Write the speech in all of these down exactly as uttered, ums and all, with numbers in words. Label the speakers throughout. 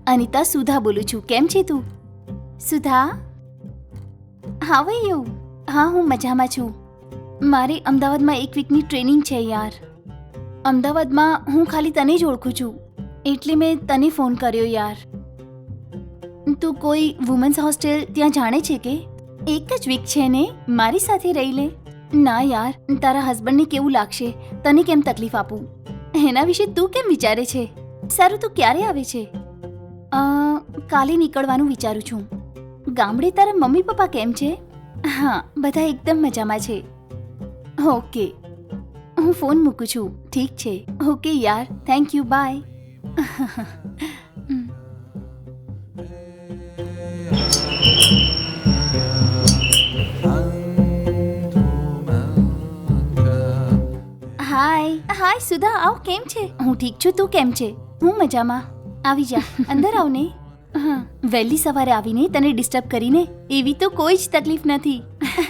Speaker 1: અનિતા સુધા બોલું છું. કેમ છે તું? Sudha, how are you? હા, હું મજામાં છું. મારે અમદાવાદમાં એક વીકની ટ્રેનિંગ છે યાર. અમદાવાદમાં હું ખાલી તને જ ઓળખું છું, એટલે મેં તને ફોન કર્યો યાર. તું કોઈ વુમન્સ હોસ્ટેલ ત્યાં જાણે છે કે? એક જ વીક છે ને, મારી સાથે રહી લે. ના યાર, તારા હસબન્ડને કેવું લાગશે, તને કેમ તકલીફ આપું, એના વિશે તું કેમ વિચારે છે? સારું, તું ક્યારે આવે છે? અ કાલે નીકળવાનું વિચારું છું. ગામડે તારા મમ્મી પપ્પા કેમ છે? હા, બધા એકદમ મજામાં છે. ઓકે, હું ફોન મૂકું છું. ઠીક છે. ઓકે યાર, thank you, bye. Hi hi Sudha, આવ. કેમ છે? હું ઠીક છું, તું કેમ છે? હું મજામાં. આવી જા, અંદર આવ ને. હા, વહેલી સવારે આવીને તને ડિસ્ટર્બ કરીને એવી તો કોઈ જ તકલીફ નથી.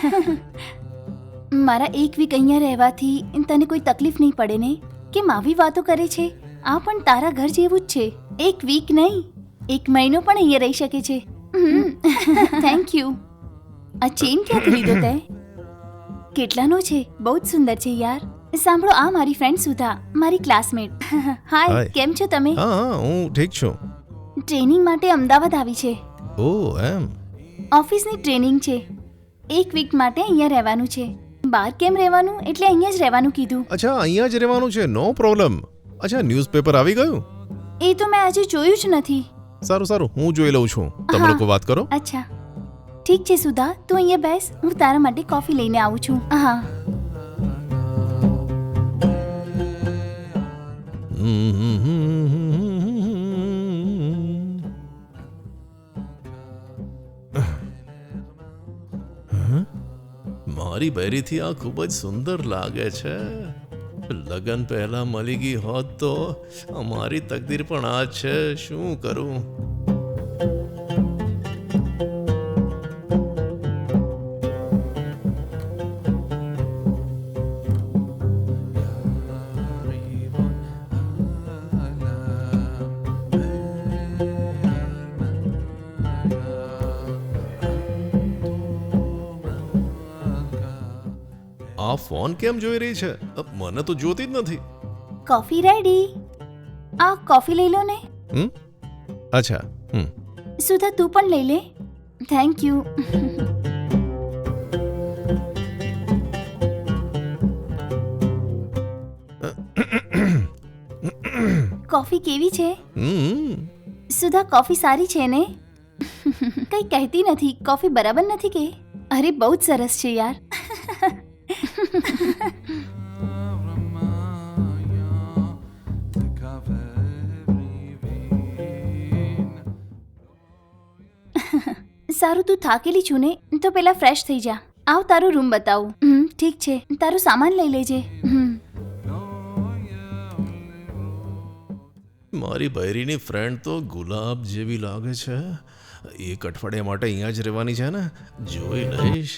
Speaker 1: મારા એક વીક અહીંયા રહેવાથી તને કોઈ તકલીફ નહીં પડે ને? કેમ આવી વાતો કરે છે? આ પણ તારા ઘર જેવું જ છે. એક વીક નહીં, એક મહિનો પણ અહીંયા રહી શકે છે. Thank you. આ ચેન ક્યાંથી લીધો તે? કેટલાનો છે? બહુ જ સુંદર છે યાર. સાંભળો, આ મારી ફ્રેન્ડ સુધા, મારી ક્લાસમેટ. હાય, કેમ છો તમે?
Speaker 2: હા હા, હું ઠીક છું.
Speaker 1: ટ્રેનિંગ માટે અમદાવાદ આવી છે.
Speaker 2: ઓહ, એમ?
Speaker 1: ઓફિસની ટ્રેનિંગ છે. એક વીક માટે અહીંયા રહેવાનું છે. બહાર કેમ રહેવાનું, એટલે અહીંયા જ રહેવાનું કીધું.
Speaker 2: અચ્છા, અહીંયા જ રહેવાનું છે, નો પ્રોબ્લેમ. અચ્છા, ન્યૂઝપેપર આવી ગયું?
Speaker 1: એ તો મેં આજે જોયું જ નથી.
Speaker 2: સારું સારું, હું જોઈ લઉં છું. તમે
Speaker 1: હા.
Speaker 2: લોકો વાત કરો.
Speaker 1: અચ્છા, ઠીક છે સુધા, તું અહીંયા બેસ, હું તારા માટે કોફી લઈને આવું છું. હા.
Speaker 2: મારી બૈરીથી આ ખૂબ જ સુંદર લાગે છે. લગન પહેલા મળી ગઈ હોત તો અમારી તકદીર પણ આ છે. શું કરું? આ ફોન કેમ જોઈ રહી છે? મને તો જોતી જ નથી.
Speaker 1: Coffee ready. આ કોફી લઈ લો ને.
Speaker 2: હમ અચ્છા. હમ
Speaker 1: સુધા, તું પણ લઈ લે. Thank you. કોફી કેવી છે?
Speaker 2: હમ
Speaker 1: સુધા, કોફી સારી છે ને? કઈ કહેતી નથી, કોફી બરાબર નથી કે? અરે, બહુ જ સરસ છે યાર. સારું, તું થાકેલી છું ને, તો પેલા ફ્રેશ થઈ જા. આવ, તારો રૂમ બતાવું. હમ ઠીક છે, તારું સામાન લઈ લેજે. હમ
Speaker 2: મારી બૈરીની ફ્રેન્ડ તો ગુલાબ જેવી લાગે છે. એક અઠવાડિયા માટે અહીંયા જ રહેવાની છે ને, જોઈ લઈશ.